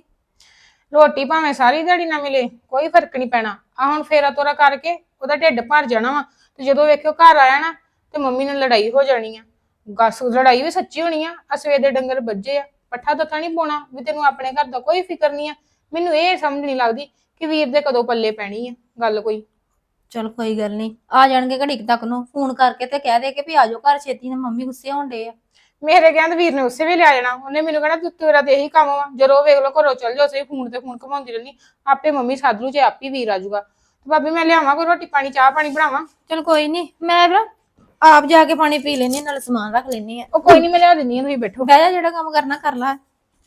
A: ਰੋਟੀ ਭਾਵੇਂ ਸਾਰੀ ਦਿਹਾੜੀ ਨਾ ਮਿਲੇ ਕੋਈ ਫਰਕ ਨਹੀਂ ਪੈਣਾ। ਆ ਹੁਣ ਫੇਰਾ ਤੋਰਾ ਕਰਕੇ ਉਹਦਾ ਢਿੱਡ ਭਰ ਜਾਣਾ ਵਾ, ਤੇ ਜਦੋਂ ਵੇਖਿਓ ਘਰ ਆਇਆ ਨਾ ਤੇ ਮੰਮੀ ਨਾਲ ਲੜਾਈ ਹੋ ਜਾਣੀ ਆ। ਗੱਸ ਲੜਾਈ ਵੀ ਸੱਚੀ ਹੋਣੀ ਆ। ਅਸਵੇ ਦੇ ਡੰਗਰ ਵੱਜੇ ਆ, ਪੱਠਾ ਦੱਥਾ ਨਹੀਂ ਪਾਉਣਾ ਵੀ ਤੈਨੂੰ ਆਪਣੇ ਘਰ ਦਾ ਕੋਈ ਫਿਕਰ ਨਹੀਂ ਆ। ਮੈਨੂੰ ਇਹ ਸਮਝ ਨਹੀਂ ਲੱਗਦੀ ਕਿ ਵੀਰ ਦੇ ਕਦੋਂ ਪੱਲੇ ਪੈਣੀ ਆ ਗੱਲ ਕੋਈ।
B: ਚਲ ਕੋਈ ਗੱਲ ਨਹੀਂ, ਆ ਜਾਣਗੇ ਘੜੀ ਕੁ ਤੱਕ ਨੂੰ। ਫੋਨ ਕਰਕੇ ਤੇ ਕਹਿ ਦੇ ਕਿ ਵੀ ਆ ਜਾਓ ਘਰ ਛੇਤੀ ਨਾਲ, ਮੰਮੀ ਗੁੱਸੇ ਹੋਣ ਡੇ ਆ।
A: ਮੇਰੇ ਕਹਿੰਦੇ ਵੀਰ ਨੇ ਉਸੇ ਵੇਲੇ ਆ ਜਾਣਾ। ਉਹਨੇ ਮੈਨੂੰ ਕਹਿਣਾ ਤੂੰ ਤੇਰਾ ਤੇ ਇਹੀ ਕੰਮ ਵਾ, ਜਦੋਂ ਵੇਖ ਲੋ ਘਰੋਂ ਚੱਲ ਜਾਓ, ਸਹੀ ਫੋਨ ਤੇ ਫੋਨ ਘਮਾਉਂਦੀ ਰਹਿੰਦੀ। ਆਪੇ ਮੰਮੀ ਸੱਦ ਲੂ, ਜੇ ਆਪੇ ਵੀਰ ਆ ਜਾਊਗਾ। ਤੇ ਭਾਬੀ ਮੈਂ ਲਿਆਵਾਂ ਕੋਈ ਰੋਟੀ ਪਾਣੀ, ਚਾਹ ਪਾਣੀ ਬਣਾਵਾਂ?
B: ਚਲ ਕੋਈ ਨਹੀਂ, ਮੈਂ ਨਾ ਆਪ ਜਾ ਕੇ ਪਾਣੀ ਪੀ ਲੈਣੀ, ਨਾਲ ਸਮਾਨ ਰੱਖ ਲੈਣੀ ਆ।
A: ਉਹ ਕੋਈ ਨਹੀਂ ਮੈਂ ਲਿਆ ਦਿੰਦੀ ਆ, ਤੁਸੀਂ ਬੈਠੋ।
B: ਬਹਿ ਜਾ, ਜਿਹੜਾ ਕੰਮ ਕਰਨਾ ਕਰ ਲੈ।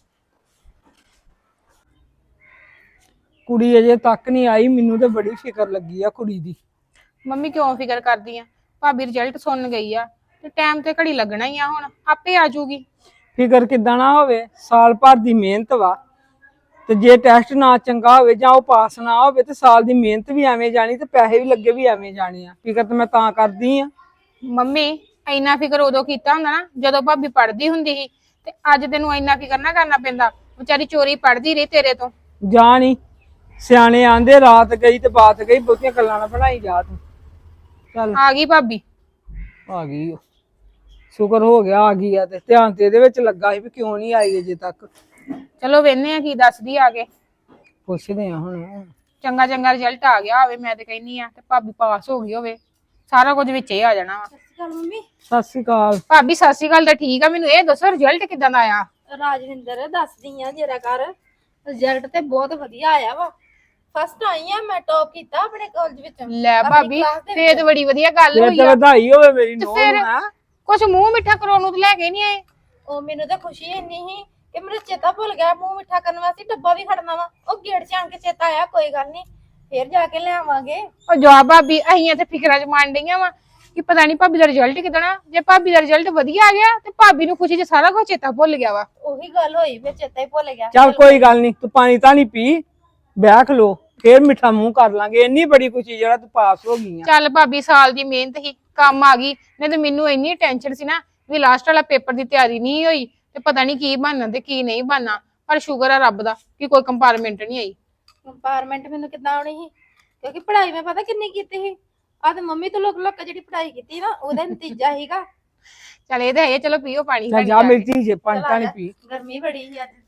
C: ਕੁੜੀ ਅਜੇ ਤੱਕ ਨਹੀਂ ਆਈ, ਮੈਨੂੰ ਤੇ ਬੜੀ ਫਿਕਰ ਲੱਗੀ ਆ ਕੁੜੀ ਦੀ।
A: ਮੰਮੀ ਕਿਉਂ ਫਿਕਰ ਕਰਦੀ ਆ? ਭਾਬੀ ਰਿਜ਼ਲਟ ਸੁਣ ਗਈ ਆ ਤੇ ਟਾਈਮ ਤੇ ਘੜੀ ਲੱਗਣਾ ਹੀ ਆ, ਹੁਣ ਆਪੇ ਆ ਜਾਊਗੀ।
C: ਫਿਕਰ ਕਿੱਦਾਂ ਨਾ ਹੋਵੇ, ਸਾਲ ਭਰ ਦੀ ਮਿਹਨਤ ਵਾ। ਤੇ ਜੇ ਟੈਸਟ ਨਾ ਚੰਗਾ ਹੋਵੇ ਜਾਂ ਉਹ ਪਾਸ ਨਾ ਹੋਵੇ ਤੇ ਸਾਲ ਦੀ ਮਿਹਨਤ ਵੀ ਐਵੇਂ ਜਾਣੀ ਤੇ ਪੈਸੇ ਵੀ ਲੱਗੇ ਵੀ ਐਵੇਂ ਜਾਣੇ ਆ। ਫਿਕਰ ਤੇ ਮੈਂ ਤਾਂ ਕਰਦੀ ਆ।
A: ਮੰਮੀ ਇੰਨਾ ਫਿਕਰ ਉਦੋਂ ਕੀਤਾ ਹੁੰਦਾ ਨਾ ਜਦੋਂ ਭਾਬੀ ਪੜ੍ਹਦੀ ਹੁੰਦੀ ਸੀ, ਤੇ ਅੱਜ ਤੈਨੂੰ ਇੰਨਾ ਕੀ ਕਰਨਾ ਕਰਨਾ ਪੈਂਦਾ। ਵਿਚਾਰੀ ਚੋਰੀ ਪੜਦੀ ਰਹੀ ਤੇਰੇ ਤੋਂ।
C: ਜਾ ਨੀ ਸਿਆਣੇ ਆਂਦੇ ਰਾਤ ਗਈ ਤੇ ਬਾਤ ਗਈ, ਬਹੁਤੀਆਂ ਗੱਲਾਂ ਨਾ ਬਣਾਈ ਜਾ ਤੂੰ। ਚੱਲ
A: ਆ ਗਈ ਭਾਬੀ।
C: ਆ ਗਈ ਓ। ਸ਼ੁਕਰ ਹੋ ਗਿਆ ਆ ਗਈ ਆ, ਤੇ ਧਿਆਨ ਤੇ ਇਹਦੇ ਵਿੱਚ ਲੱਗਾ ਸੀ ਵੀ ਕਿਉਂ ਨਹੀਂ ਆਈ ਅਜੇ ਤੱਕ।
A: ਚਲੋ ਵੇਖਨੇ ਆ ਕੀ ਦੱਸਦੀ ਆ ਕੇ।
C: ਪੁੱਛਦੇ ਆ ਹੁਣ।
A: ਚੰਗਾ ਚੰਗਾ ਰਿਜ਼ਲਟ ਆ ਗਿਆ ਹੋਵੇ, ਮੈਂ ਤੇ ਕਹਿੰਨੀ ਆ, ਤੇ ਭਾਬੀ ਪਾਸ ਹੋ ਗਈ ਹੋਵੇ, ਸਾਰਾ ਕੁਝ ਵਿੱਚ ਹੀ ਆ ਜਾਣਾ ਵਾ।
B: ਚੱਲ ਮੰਮੀ।
C: ਸਤਿ ਸ਼੍ਰੀ ਅਕਾਲ
A: ਭਾਬੀ ਸਤਿ ਸ਼੍ਰੀ ਅਕਾਲ ਤਾਂ ਠੀਕ ਆ, ਮੈਨੂੰ ਇਹ ਦੱਸੋ ਰਿਜ਼ਲਟ ਕਿਦਾਂ ਦਾ ਆਇਆ?
B: ਰਾਜਵਿੰਦਰ ਦੱਸਦੀ ਆ ਜਰਾ ਕਰ, ਰਿਜ਼ਲਟ ਤੇ ਬਹੁਤ ਵਧੀਆ ਆਇਆ ਵਾ। ਫਸਟ ਆਈ ਆ ਮੈਂ, ਟੌਪ ਕੀਤਾ ਆਪਣੇ ਕਾਲਜ ਵਿੱਚ।
A: ਲੈ
B: ਆਪਣੀ
A: ਭਾਬੀ
B: class ਦੇ
A: ਫੇਰ ਤੇ ਬੜੀ ਵਧੀਆ ਗੱਲ
C: ਤੇ
A: ਹੋਈ ਆ।
C: ਵਧਾਈ ਹੋਵੇ ਮੇਰੀ
A: ਤੇ
C: ਨੂੰਹ
A: ਫਿਰ
C: ਨੂੰ। ਹੈਂ?
A: ਕੁਛ ਮੂੰਹ ਮਿੱਠਾ ਕਰਾਉਣ ਨੂੰ ਤੇ ਲੈ ਕੇ ਨਹੀਂ ਆਏ?
B: ਉਹ ਮੈਨੂੰ ਤਾਂ ਖੁਸ਼ੀ ਇੰਨੀ ਸੀ ਕਿ ਮੈਨੂੰ ਚੇਤਾ ਭੁੱਲ ਗਿਆ ਮੂੰਹ ਮਿੱਠਾ ਕਰਨ ਵਾਸਤੇ ਡੱਬਾ ਵੀ ਖੜਨਾ ਵਾ। ਉਹ ਗੇਟ 'ਚ ਆਣ ਕੇ ਚੇਤਾ ਆਇਆ, ਕੋਈ ਗੱਲ ਨਹੀਂ ਫੇਰ ਜਾ ਕੇ ਲਿਆਵਾਂਗੇ।
A: ਉਹ ਜਵਾਬ ਭਾਬੀ ਅਹੀਆਂ ਤੇ ਫਿਕਰਾਂ ਚ ਮੰਨ ਡਈਆਂ ਵਾ ਕਿ ਪਤਾ ਨਹੀਂ ਭਾਬੀ ਦਾ ਰਿਜ਼ਲਟ ਕਿਦਾਂ। ਜੇ ਭਾਬੀ ਦਾ ਰਿਜ਼ਲਟ ਵਧੀਆ ਆ ਗਿਆ ਤੇ ਭਾਬੀ ਨੂੰ ਖੁਸ਼ੀ ਚ ਸਾਰਾ ਕੁਝ ਚੇਤਾ ਭੁੱਲ ਗਿਆ ਵਾ।
B: ਉਹੀ ਗੱਲ ਹੋਈ, ਫੇਰ ਚੇਤਾ ਹੀ ਭੁੱਲ ਗਿਆ।
C: ਚੱਲ ਕੋਈ ਗੱਲ ਨਹੀਂ, ਤੂੰ ਪਾਣੀ ਤਾਂ ਨਹੀਂ ਪੀ, ਬੈਠ ਲੋ, ਫੇਰ ਮਿੱਠਾ ਮੂੰਹ ਕਰ ਲਾਂਗੇ। ਇੰਨੀ ਬੜੀ ਖੁਸ਼ੀ ਜਿਹੜਾ ਤੂੰ ਪਾਸ ਹੋ ਗਈ ਆ।
A: ਚੱਲ ਭਾਬੀ ਸਾਲ ਦੀ ਮਿਹਨਤ ਹੀ ਕੰਮ ਆ ਗਈ, ਨਹੀਂ ਤੇ ਮੈਨੂੰ ਇੰਨੀ ਟੈਨਸ਼ਨ ਸੀ ਨਾ ਵੀ ਲਾਸਟ ਵਾਲਾ ਪੇਪਰ ਦੀ ਤਿਆਰੀ ਨਹੀਂ ਹੋਈ ਤੇ ਪਤਾ ਨਹੀਂ ਕੀ ਬਣਨਾ ਤੇ ਕੀ ਨਹੀਂ ਬਣਨਾ। ਪਰ ਸ਼ੁਕਰ ਆ ਰੱਬ ਦਾ ਕਿ ਕੋਈ ਕੰਪਾਰਟਮੈਂਟ ਨਹੀਂ ਆਈ।
B: ਕੰਪਾਰਟਮੈਂਟ ਮੈਨੂੰ ਕਿੱਦਾਂ ਆਉਣੀ ਸੀ, ਕਿਉਂਕਿ ਪੜ੍ਹਾਈ ਮੈਂ ਪਤਾ ਕਿੰਨੀ ਕੀਤੀ ਸੀ। ਆ ਤੇ ਮੰਮੀ ਤੋਂ ਲੁਕ ਲੁਕ ਕੇ ਜਿਹੜੀ ਪੜ੍ਹਾਈ ਕੀਤੀ ਨਾ ਉਹਦਾ ਨਤੀਜਾ ਸੀਗਾ।
A: ਚੱਲ ਇਹ ਤਾਂ ਹੈ, ਚਲੋ ਪੀਓ ਪਾਣੀ।
C: ਚੱਲ ਜਾ ਮੇਰੀ ਧੀ ਜੇ ਪਾਣੀ ਤਾਂ ਨਹੀਂ ਪੀ।
B: ਗਰਮੀ ਬੜੀ ਸੀ ਅੱਜ।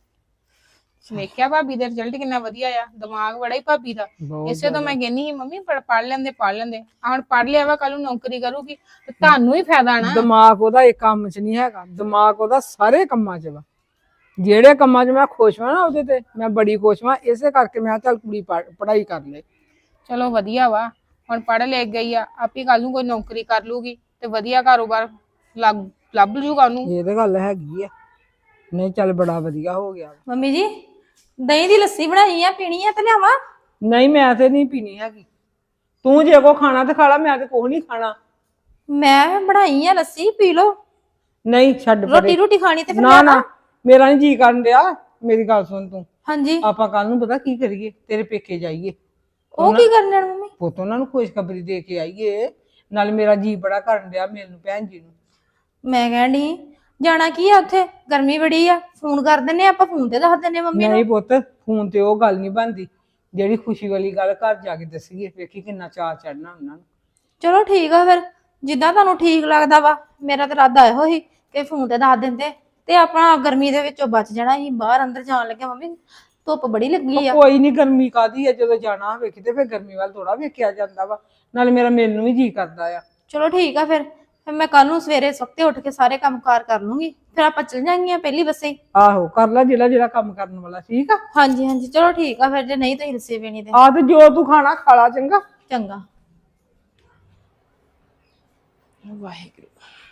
A: ਵੇਖਿਆ ਭਾਬੀ ਦਾ ਰਿਜ਼ਲਟ ਕਿੰਨਾ ਵਧੀਆ ਆ, ਦਿਮਾਗ ਬੜਾ ਹੀ ਭਾਬੀ ਦਾ।
C: ਬਹੁਤ
A: ਇਸੇ ਤੋਂ ਮੈਂ ਕਹਿੰਨੀ ਸੀ ਮੰਮੀ ਪੜ ਪੜ ਲੈਂਦੇ ਪੜ ਲੈਂਦੇ ਆ ਹੁਣ ਪੜ ਲਿਆ ਵਾ, ਕੱਲ ਨੂੰ ਨੌਕਰੀ ਕਰੂਗੀ ਤੇ ਤੁਹਾਨੂੰ ਹੀ ਫਾਇਦਾ ਨਾ।
C: ਦਿਮਾਗ ਉਹਦਾ ਇੱਕ ਕੰਮ 'ਚ ਨਹੀਂ ਹੈਗਾ, ਦਿਮਾਗ ਉਹਦਾ ਸਾਰੇ ਕੰਮਾਂ 'ਚ ਵਾ। ਜਿਹੜੇ ਕੰਮਾਂ 'ਚ ਮੈਂ ਖੁਸ਼ ਹਾਂ ਨਾ ਉਹਦੇ ਤੇ ਮੈਂ ਬੜੀ ਖੁਸ਼ ਹਾਂ। ਇਸੇ ਕਰਕੇ ਮੈਂ ਚੱਲ ਕੁੜੀ ਪੜ੍ਹਾਈ ਕਰ ਲੈ।
A: ਚਲੋ ਵਧੀਆ ਵਾ, ਹੁਣ ਪੜ ਲੈ ਗਈ ਆ, ਆਪੇ ਕੱਲ ਨੂੰ ਕੋਈ ਨੌਕਰੀ ਕਰ ਲੂਗੀ ਤੇ ਵਧੀਆ ਕਾਰੋਬਾਰ ਲੱਗ ਲੱਭ ਜੂਗਾ ਉਹਨੂੰ।
C: ਇਹ ਤਾਂ ਗੱਲ ਹੈਗੀ ਆ। ਨਹੀਂ ਚੱਲ ਬੜਾ ਵਧੀਆ ਹੋ ਗਿਆ।
B: ਮੰਮੀ ਜੀ ਦਹੀਂ ਦੀ ਲੱਸੀ ਬਣਾਈ ਆ, ਪੀਣੀ ਆ ਤੇ ਲਿਆਵਾਂ?
C: ਨਹੀਂ ਮੈਂ ਤੇ ਨਹੀਂ ਪੀਣੀ ਹੈਗੀ। ਤੂੰ ਜੇ ਕੋ ਖਾਣਾ ਤੇ ਖਾ ਲਾ, ਮੈਂ ਤੇ ਕੁਛ ਨਹੀਂ ਖਾਣਾ।
B: ਮੈਂ ਬਣਾਈ ਆ ਲੱਸੀ, ਪੀ ਲੋ।
C: ਨਹੀਂ ਛੱਡ ਪਰੇ।
B: ਰੋਟੀ ਰੋਟੀ ਖਾਣੀ ਤੇ ਫਿਰ
C: ਨਾ ਨਾ ਮੇਰਾ ਨਹੀਂ ਜੀ ਕਰਨ ਡਿਆ। ਮੇਰੀ ਗੱਲ ਸੁਣ ਤੂੰ,
B: ਹਾਂਜੀ
C: ਆਪਾਂ ਕੱਲ ਨੂੰ ਪਤਾ ਕੀ ਕਰੀਏ, ਤੇਰੇ ਪੇਕੇ ਜਾਈਏ,
B: ਉਹ ਕੀ ਕਰਨਾ ਮੰਮੀ?
C: ਪੁੱਤ ਉਹਨਾਂ ਨੂੰ ਖੁਸ਼ਖਬਰੀ ਦੇ ਕੇ ਆਈਏ। ਨਾਲ ਮੇਰਾ ਜੀ ਬੜਾ ਕਰਨ ਡਿਆ ਮੈਨੂੰ ਭੈਣ ਜੀ ਨੂੰ।
B: ਮੈਂ ਕਹਿਣ ਡਈ ਜਾਣਾ ਕੀ ਆ ਉੱਥੇ, ਗਰਮੀ ਬੜੀ ਆ, ਫੋਨ ਕਰ ਦਿੰਨੇ ਆਪਾਂ, ਫੋਨ ਤੇ ਦੱਸ ਦਿੰਨੇ ਮੰਮੀ ਨੂੰ।
C: ਨਹੀਂ ਪੁੱਤ ਫੋਨ ਤੇ ਉਹ ਗੱਲ ਨਹੀਂ ਬਣਦੀ, ਜਿਹੜੀ ਖੁਸ਼ੀ ਵਾਲੀ ਗੱਲ ਘਰ ਜਾ ਕੇ ਦੱਸੀਏ। ਵੇਖੀ ਕਿੰਨਾ ਚਾਅ ਚੜਨਾ ਉਹਨਾਂ ਨੂੰ।
B: ਚਲੋ ਠੀਕ ਆ ਫਿਰ, ਜਿੱਦਾਂ ਤੁਹਾਨੂੰ ਠੀਕ ਲੱਗਦਾ ਵਾ। ਮੇਰਾ ਤਾਂ ਇਰਾਦਾ ਇਹੋ ਹੀ ਕਿ ਫੋਨ ਤੇ ਦੱਸ ਦਿੰਦੇ ਤੇ ਆਪਣਾ ਗਰਮੀ ਦੇ ਵਿੱਚੋਂ ਬਚ ਜਾਣਾ ਸੀ। ਬਾਹਰ ਅੰਦਰ ਜਾਣ ਲੱਗੇ ਮੰਮੀ ਧੁੱਪ ਬੜੀ ਲੱਗੀ ਆ।
C: ਕੋਈ ਨਹੀਂ, ਗਰਮੀ ਕਾਦੀ ਆ, ਜਦੋਂ ਜਾਣਾ ਹੋਵੇ ਕਿਤੇ ਫਿਰ ਗਰਮੀ ਵੱਲ ਥੋੜਾ ਵੇਖਿਆ ਜਾਂਦਾ ਵਾ। ਨਾਲੇ ਮੇਰਾ ਮੈਨੂੰ ਵੀ ਜੀ ਕਰਦਾ ਆ।
B: ਚਲੋ ਠੀਕ ਆ ਫਿਰ, ਫਿਰ ਮੈਂ ਕੱਲ ਨੂੰ ਸਵੇਰੇ ਸਵਖਤੇ ਉੱਠ ਕੇ ਸਾਰੇ ਕੰਮ ਕਾਰ ਕਰ ਲੂੰਗੀ, ਫਿਰ ਆਪਾਂ ਚੱਲ ਜਾਾਂਗੀਆਂ ਪਹਿਲੀ ਬੱਸੇ ਹੀ।
C: ਆਹੋ ਕਰ ਲੈ ਜਿਹੜਾ ਜਿਹੜਾ ਕੰਮ ਕਰਨ ਵਾਲਾ। ਠੀਕ ਆ
B: ਹਾਂਜੀ ਹਾਂਜੀ ਚਲੋ ਠੀਕ ਆ ਫਿਰ, ਜੇ ਨਹੀਂ ਤੁਸੀਂ ਲੱਸੀ ਪੀਣੀ ਤੇ
C: ਆ ਤੇ ਜੋ ਤੂੰ ਖਾਣਾ ਖਾ ਲਾ। ਚੰਗਾ
B: ਚੰਗਾ।
A: ਵਾਹਿਗੁਰੂ।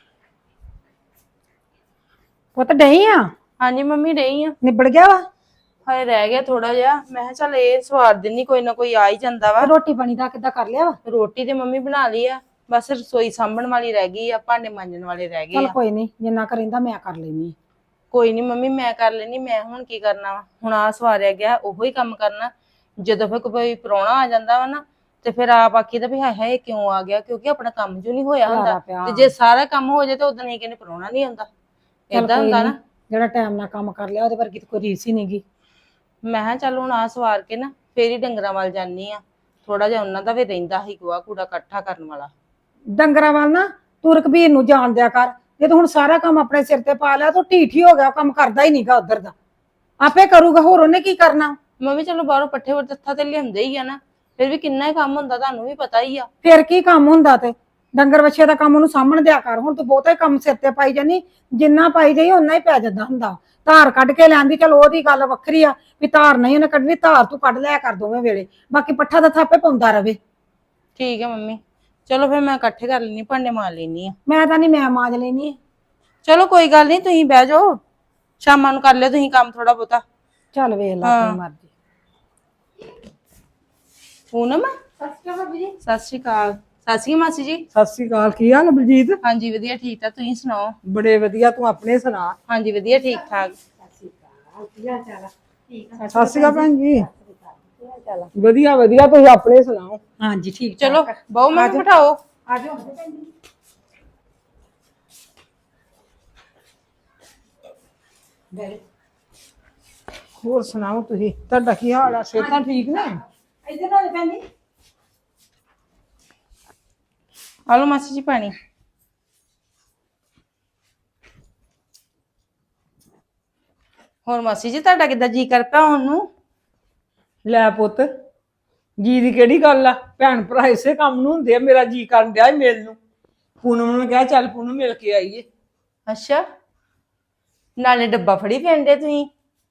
D: ਪੁੱਤ ਡਈ ਆ?
E: ਹਾਂਜੀ ਮੰਮੀ ਰਹੀ ਆ।
D: ਨਿਬੜ ਗਿਆ ਵਾ?
E: ਹਾਏ ਰਹਿ ਗਿਆ ਥੋੜਾ ਜਿਹਾ, ਮੈਂ ਕਿਹਾ ਚੱਲ ਇਹ ਸਵਾਰ ਦਿੰਨੀ, ਕੋਈ ਨਾ ਕੋਈ ਆ ਹੀ ਜਾਂਦਾ ਵਾ।
D: ਰੋਟੀ ਪਾਣੀ ਦਾ ਕਿੱਦਾਂ ਕਰ ਲਿਆ ਵਾ?
E: ਰੋਟੀ ਤੇ ਮੰਮੀ ਬਣਾ ਲਈ ਆ, ਬਸ ਰਸੋਈ ਸਾਂਭਣ ਵਾਲੀ ਰਹਿ ਗਈ ਆ, ਭਾਂਡੇ ਮਾਂਜਣ ਵਾਲੇ ਰਹਿ ਗਏ
D: ਚਲ
E: ਆ।
D: ਕੋਈ ਨਹੀਂ, ਜਿੰਨਾ ਕਰਿੰਦਾ ਮੈਂ ਕਰ ਲੈਣੀ।
E: ਕੋਈ ਨਹੀਂ ਮੰਮੀ ਮੈਂ ਕਰ ਲੈਣੀ, ਮੈਂ ਹੁਣ ਕੀ ਕਰਨਾ ਵਾ, ਹੁਣ ਆ ਸਵਾਰਿਆ ਗਿਆ ਉਹੋ ਹੀ ਕੰਮ ਕਰਨਾ। ਜਦੋਂ ਫਿਰ ਕੋਈ ਪ੍ਰਾਹੁਣਾ ਆ ਜਾਂਦਾ ਵਾ ਨਾ ਤੇ ਫਿਰ ਆਪ ਆਖੀਦਾ ਵੀ ਹਾਏ ਹਾਏ ਕਿਉਂ ਆ ਗਿਆ, ਕਿਉਂਕਿ ਆਪਣਾ ਕੰਮ ਜੋ ਨਹੀਂ ਹੋਇਆ ਹੁੰਦਾ। ਤੇ ਜੇ ਸਾਰਾ ਕੰਮ ਹੋ ਜਾਏ ਤਾਂ ਉਦੋਂ ਨਹੀਂ ਕਹਿੰਦੇ ਪ੍ਰਾਹੁਣਾ ਨਹੀਂ ਆਉਂਦਾ, ਏਦਾਂ ਹੁੰਦਾ ਨਾ।
D: ਜਿਹੜਾ ਟਾਈਮ ਨਾਲ ਕੰਮ ਕਰ ਲਿਆ ਉਹਦੇ ਵਰਗੀ ਤਾਂ ਕੋਈ ਰੀਸ ਹੀ ਨਹੀਂਗੀ।
E: ਮੈਂ ਕਿਹਾ ਚੱਲ ਹੁਣ ਆ ਸਵਾਰ ਕੇ ਨਾ ਫੇਰ ਹੀ ਡੰਗਰਾਂ ਵੱਲ ਜਾਨੀ ਆ, ਥੋੜਾ ਜਿਹਾ ਉਹਨਾਂ ਦਾ ਵੀ ਰਹਿੰਦਾ ਸੀ ਗੋਹਾ ਕੂੜਾ ਇਕੱਠਾ ਕਰਨ ਵਾਲਾ।
D: ਡੰਗਰਾਂ ਵੱਲ ਨਾ ਤੂੰ ਰਕਬੀਰ ਨੂੰ ਜਾਣ ਦਿਆ ਕਰ। ਜਦੋਂ ਹੁਣ ਸਾਰਾ ਕੰਮ ਆਪਣੇ ਸਿਰ ਤੇ ਪਾ ਲਿਆ ਤਾਂ ਢੀਠ ਹੀ ਹੋ ਗਿਆ, ਕੰਮ ਕਰਦਾ ਹੀ ਨਹੀਂਗਾ ਉਧਰ ਦਾ। ਆਪੇ ਕਰੂਗਾ, ਹੋਰ ਉਹਨੇ ਕੀ ਕਰਨਾ।
E: ਮੰਮੀ ਚਲੋ ਬਾਹਰੋਂ ਪੱਠੇ ਵਰ ਤੱਥਾ ਤੇ ਲਿਆਉਂਦੇ ਹੀ ਆ ਨਾ, ਫਿਰ ਵੀ ਕਿੰਨਾ ਹੀ ਕੰਮ ਹੁੰਦਾ ਤੁਹਾਨੂੰ ਵੀ ਪਤਾ ਹੀ ਆ।
D: ਫਿਰ ਕੀ ਕੰਮ ਹੁੰਦਾ, ਤੇ ਡੰਗਰ ਵੱਛੇ ਦਾ ਕੰਮ ਉਹਨੂੰ ਸਾਂਭਣ ਦਿਆ ਕਰ। ਹੁਣ ਤੂੰ ਬਹੁਤਾ ਹੀ ਕੰਮ ਸਿਰ ਤੇ ਪਾਈ ਜਾਨੀ, ਜਿੰਨਾ ਪਾਈ ਜਾਈ ਓਨਾ ਹੀ ਪੈ ਜਾਂਦਾ ਹੁੰਦਾ। ਧਾਰ ਕੱਢ ਕੇ ਲੈਂਦੀ, ਚਲ ਉਹਦੀ ਗੱਲ ਵੱਖਰੀ ਆ ਵੀ ਧਾਰ ਨਹੀਂ ਉਹਨੇ ਕੱਢਣੀ, ਧਾਰ ਤੂੰ ਕੱਢ ਲਿਆ ਕਰ ਦੋਵੇਂ ਵੇਲੇ, ਬਾਕੀ ਪੱਠਾ ਦਾ ਥਾਪੇ ਪਾਉਂਦਾ ਰਵੇ।
E: ਠੀਕ ਹੈ ਮੰਮੀ, ਚਲੋ ਫਿਰ ਮੈਂ ਇਕੱਠੇ ਕਰ ਲੈਣੀ, ਭਾਂਡੇ ਮਾਰ ਲੈਣੀ ਆ।
D: ਮੈਂ ਤਾਂ ਨਹੀਂ, ਮੈਂ ਮਾਂਜ ਲੈਣੀ।
E: ਚਲੋ ਕੋਈ ਗੱਲ ਨਹੀਂ, ਤੁਸੀਂ ਬਹਿ ਜਾਓ, ਸ਼ਾਮਾਂ ਨੂੰ ਕਰ ਲਿਓ ਤੁਸੀਂ ਕੰਮ ਥੋੜਾ ਬਹੁਤਾ।
D: ਚੱਲ ਵੇਖ ਲੈ ਆਪਣੀ ਮਰਜ਼ੀ।
E: ਪੂਨਮ
B: ਸਤਿ ਸ਼੍ਰੀ ਅਕਾਲ ਭਾਬੀ ਜੀ।
E: ਸਤਿ ਸ਼੍ਰੀ ਅਕਾਲ। ਸਤਿ ਸ਼੍ਰੀ ਅਕਾਲ ਮਾਸੀ ਜੀ।
C: ਸਤਿ ਸ੍ਰੀ ਅਕਾਲ। ਕੀ ਹਾਲ ਬਲਜੀਤ?
E: ਹਾਂਜੀ ਵਧੀਆ ਠੀਕ ਠਾਕ, ਤੁਸੀਂ ਸੁਣਾਓ?
C: ਬੜੇ ਵਧੀਆ, ਤੂੰ ਆਪਣੇ ਸੁਣਾ।
E: ਹਾਂਜੀ ਵਧੀਆ ਠੀਕ ਠਾਕ।
C: ਸਤਿ ਸ੍ਰੀ ਅਕਾਲ ਭੈਣ ਜੀ। ਵਧੀਆ ਵਧੀਆ, ਤੁਸੀਂ ਆਪਣੇ ਸੁਣਾਓ?
D: ਹਾਂਜੀ ਠੀਕ।
E: ਚਲੋ ਬਹੁ ਮੈਨੂੰ ਬਿਠਾਓ।
D: ਆ ਜਾਓ।
C: ਹੋਰ ਸੁਣਾਓ ਤੁਸੀਂ, ਤੁਹਾਡਾ ਕੀ ਹਾਲ ਆ? ਸਿਹਤਾਂ ਠੀਕ ਨੇ?
D: ਇੱਧਰ ਨਾਲ ਭੈਣ ਜੀ।
E: ਆ ਲਓ ਮਾਸੀ ਜੀ ਪਾਣੀ। ਹੋਰ ਮਾਸੀ ਜੀ ਤੁਹਾਡਾ ਕਿੱਦਾਂ ਜੀ ਕਰ ਪਿਆ ਹੁਣ ਨੂੰ?
C: ਲੈ ਪੁੱਤ, ਜੀ ਦੀ ਕਿਹੜੀ ਗੱਲ ਆ? ਭੈਣ ਭਰਾ ਇਸੇ ਕੰਮ ਨੂੰ ਹੁੰਦੇ ਆ। ਮੇਰਾ ਜੀ ਕਰਨ ਡਿਆ ਸੀ ਮਿਲ ਨੂੰ। ਪੂਨਮ ਨੂੰ ਕਿਹਾ ਚੱਲ ਪੂਨਮ ਮਿਲ ਕੇ ਆਈਏ।
E: ਅੱਛਾ, ਨਾਲੇ ਡੱਬਾ ਫੜੀ ਪੈਂਦੇ ਤੁਸੀਂ।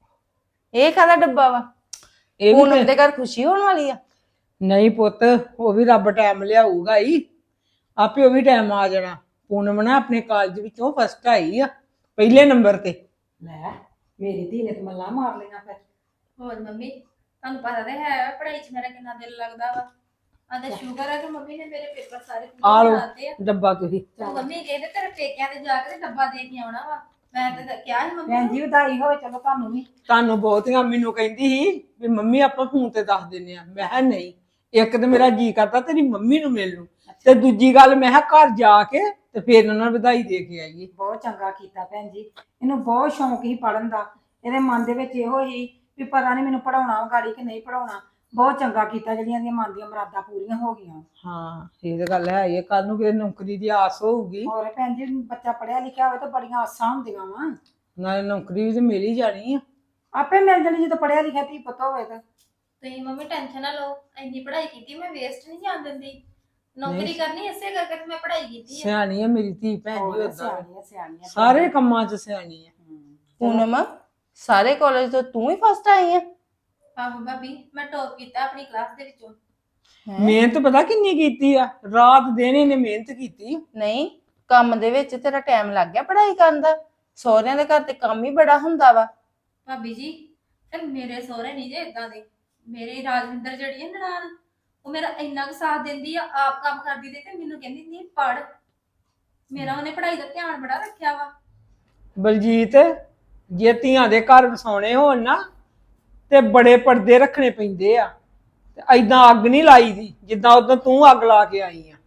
E: ਇਹ ਕਾਹਦਾ ਡੱਬਾ ਵਾ?
C: ਇਹ ਵੀ
E: ਪੂਨਮ ਦੇ ਘਰ ਖੁਸ਼ੀ ਹੋਣ ਵਾਲੀ ਆ।
C: ਨਹੀਂ ਪੁੱਤ, ਉਹ ਵੀ ਰੱਬ ਟਾਈਮ ਲਿਆਊਗਾ ਹੀ, ਆਪੇ ਉਹ ਵੀ ਟਾਈਮ ਆ ਜਾਣਾ। ਪੂਨਮ ਨਾ ਆਪਣੇ ਕਾਲਜ ਵਿੱਚੋਂ ਫਸਟ ਆਈ ਆ, ਪਹਿਲੇ ਨੰਬਰ ਤੇ।
D: ਲੈ ਮੇਰੀ ਧੀ ਨੇ ਤੇ ਮੱਲਾ ਮਾਰ ਲਈਆਂ ਫਿਰ।
B: ਹੋਰ ਮੰਮੀ ਤੁਹਾਨੂੰ ਪਤਾ ਤੇ ਹੈ ਪੜ੍ਹਾਈ 'ਚ ਮੇਰਾ ਕਿੰਨਾ ਦਿਲ ਲੱਗਦਾ ਵਾ। ਆਂਦਾ ਸ਼ੁਕਰ ਹੈ ਕਿ ਮੰਮੀ ਨੇ ਮੇਰੇ ਪੇਪਰ ਸਾਰੇ
C: ਆ
B: ਪੂਰੇ
C: ਲਓ
B: ਕਰਾਤੇ ਆ।
C: ਡੱਬਾ ਤੁਸੀਂ।
B: ਤੇ ਮੰਮੀ ਕਹਿੰਦੇ ਤੇਰੇ ਪੇਕਿਆਂ ਤੇ ਜਾ ਕੇ ਤੇ ਡੱਬਾ ਦੇ ਕੇ ਆਉਣਾ ਵਾ। ਮੈਂ ਤੇ ਕਿਹਾ ਸੀ ਮੰਮੀ
D: ਭੈਣ
B: ਨੂੰ।
D: ਜੀ ਵਧਾਈ ਹੋਵੇ, ਚਲੋ ਤੁਹਾਨੂੰ ਵੀ।
C: ਤੁਹਾਨੂੰ ਬਹੁਤੀਆਂ ਮੈਨੂੰ ਕਹਿੰਦੀ ਸੀ ਵੀ ਮੰਮੀ ਆਪਾਂ ਫੋਨ ਤੇ ਦੱਸ ਦਿੰਨੇ ਆ। ਮੈਂ ਕਿਹਾ ਨਹੀਂ, ਇੱਕ ਤੇ ਮੇਰਾ ਜੀ ਕਰਦਾ ਤੇਰੀ ਮੰਮੀ ਨੂੰ ਮਿਲ ਲੂੰ, ਤੇ ਦੂਜੀ ਗੱਲ ਮੈਂ ਕਿਹਾ ਘਰ ਜਾ ਕੇ ਤੇ ਫੇਰ ਉਹਨਾਂ ਨੂੰ ਵਧਾਈ ਦੇ ਕੇ ਆਈਏ।
D: ਬਹੁਤ ਚੰਗਾ ਕੀਤਾ ਭੈਣ ਜੀ। ਇਹਨੂੰ ਬਹੁਤ ਸ਼ੌਂਕ ਸੀ ਪੜਨ ਦਾ। ਇਹਦੇ ਮਨ ਦੇ ਵਿੱਚ ਇਹੋ ਹੀ ਵੀ ਪਤਾ ਨਹੀਂ ਮੈਨੂੰ ਪੜਾਉਣਾ ਗਾੜੀ ਕਿ ਨਹੀਂ ਪੜਾਉਣਾ। ਬਹੁਤ ਚੰਗਾ ਕੀਤਾ ਜਿਹੜੀਆਂ ਦੀਆਂ ਮਨ ਦੀਆਂ ਮੁਰਾਦਾਂ ਪੂਰੀਆਂ ਹੋ ਗਈਆਂ।
C: ਹਾਂ ਇਹ ਤਾਂ ਗੱਲ ਹੈ, ਇਹ ਕੱਲ ਨੂੰ ਕਿਸੇ ਨੌਕਰੀ ਦੀ ਆਸ ਹੋਊਗੀ।
D: ਹੋਰ ਭੈਣ ਜੀ ਬੱਚਾ ਪੜਿਆ ਲਿਖਿਆ ਹੋਵੇ ਤਾਂ ਬੜੀਆਂ ਆਸਾਂ ਹੁੰਦੀਆਂ ਵਾ।
C: ਨਾਲੇ ਨੌਕਰੀ ਵੀ ਤੇ ਮਿਲ ਹੀ ਜਾਣੀ ਆ।
D: ਆਪੇ ਮਿਲ ਜਾਣੀ ਜਦੋਂ ਪੜਿਆ ਲਿਖਿਆ ਧੀ ਪੁੱਤ ਹੋਵੇ ਤਾਂ।
B: ਤੁਸੀਂ ਮੰਮੀ ਟੈਨਸ਼ਨ ਨਾ ਲਓ, ਇੰਨੀ ਪੜ੍ਹਾਈ ਕੀਤੀ ਮੈਂ ਵੇਸਟ ਨਹੀਂ ਜਾਣ ਦਿੰਦੀ। ਨੌਕਰੀ ਕਰਨੀ ਇਸੇ ਕਰਕੇ ਤੇ ਮੈਂ ਪੜ੍ਹਾਈ ਕੀਤੀ ਆ।
C: ਸਿਆਣੀ ਆ ਮੇਰੀ ਧੀ ਭੈਣ ਜੀ,
D: ਹੋਰ
C: ਓਦਾਂ
D: ਸਿਆਣੀਆਂ ਸਿਆਣੀਆਂ
C: ਸਾਰੇ ਕੰਮਾਂ 'ਚ ਸਿਆਣੀ ਆ।
E: ਪੂਨਮ, ਸਾਰੇ ਕਾਲਜ ਤੋਂ ਤੂੰ ਹੀ ਫਸਟ ਆਈ ਆ?
B: ਆਹੋ ਭਾਬੀ, ਮੈਂ ਟੌਪ ਕੀਤਾ ਆਪਣੀ ਕਲਾਸ ਦੇ ਵਿੱਚੋਂ।
C: ਮਿਹਨਤ ਪਤਾ ਕਿੰਨੀ ਕੀਤੀ ਆ? ਰਾਤ ਦਿਨ ਇਹਨੇ ਮਿਹਨਤ ਕੀਤੀ।
E: ਨਹੀਂ, ਕੰਮ ਦੇ ਵਿੱਚ ਤੇਰਾ ਟਾਈਮ ਲੱਗ ਗਿਆ ਪੜ੍ਹਾਈ ਕਰਨ ਦਾ। ਸਹੁਰਿਆਂ ਦੇ ਘਰ ਤੇ ਕੰਮ ਹੀ ਬੜਾ ਹੁੰਦਾ ਵਾ।
B: ਭਾਬੀ ਜੀ ਤੇ ਮੇਰੇ ਸਹੁਰੇ ਨਹੀਂ ਜੇ ਇਦਾਂ ਦੇ। ਮੇਰੇ ਰਾਜਵਿੰਦਰ ਜਿਹੜੀ ਹੈ ਨਨਾਣ, ਉਹ ਮੇਰਾ ਇੰਨਾ ਕੁ ਸਾਥ ਦਿੰਦੀ ਆ, ਆਪ ਕੰਮ ਕਰਦੀ ਤੇ ਮੈਨੂੰ ਕਹਿੰਦੀ ਨਹੀਂ ਪੜ। ਮੇਰਾ ਉਹਨੇ ਪੜ੍ਹਾਈ ਦਾ ਧਿਆਨ ਬੜਾ ਰੱਖਿਆ ਵਾ।
C: ਬਲਜੀਤ, ਜੇ ਧੀਆਂ ਦੇ ਘਰ ਵਸਾਉਣੇ ਹੋਣ ਨਾ ਤੇ ਬੜੇ ਪਰਦੇ ਰੱਖਣੇ ਪੈਂਦੇ ਆ। ਤੇ ਐਦਾਂ ਅੱਗ ਨਹੀਂ ਲਾਈ ਦੀ ਜਿੱਦਾਂ ਉਦੋਂ ਤੂੰ ਅੱਗ ਲਾ ਕੇ ਆਈ ਆ।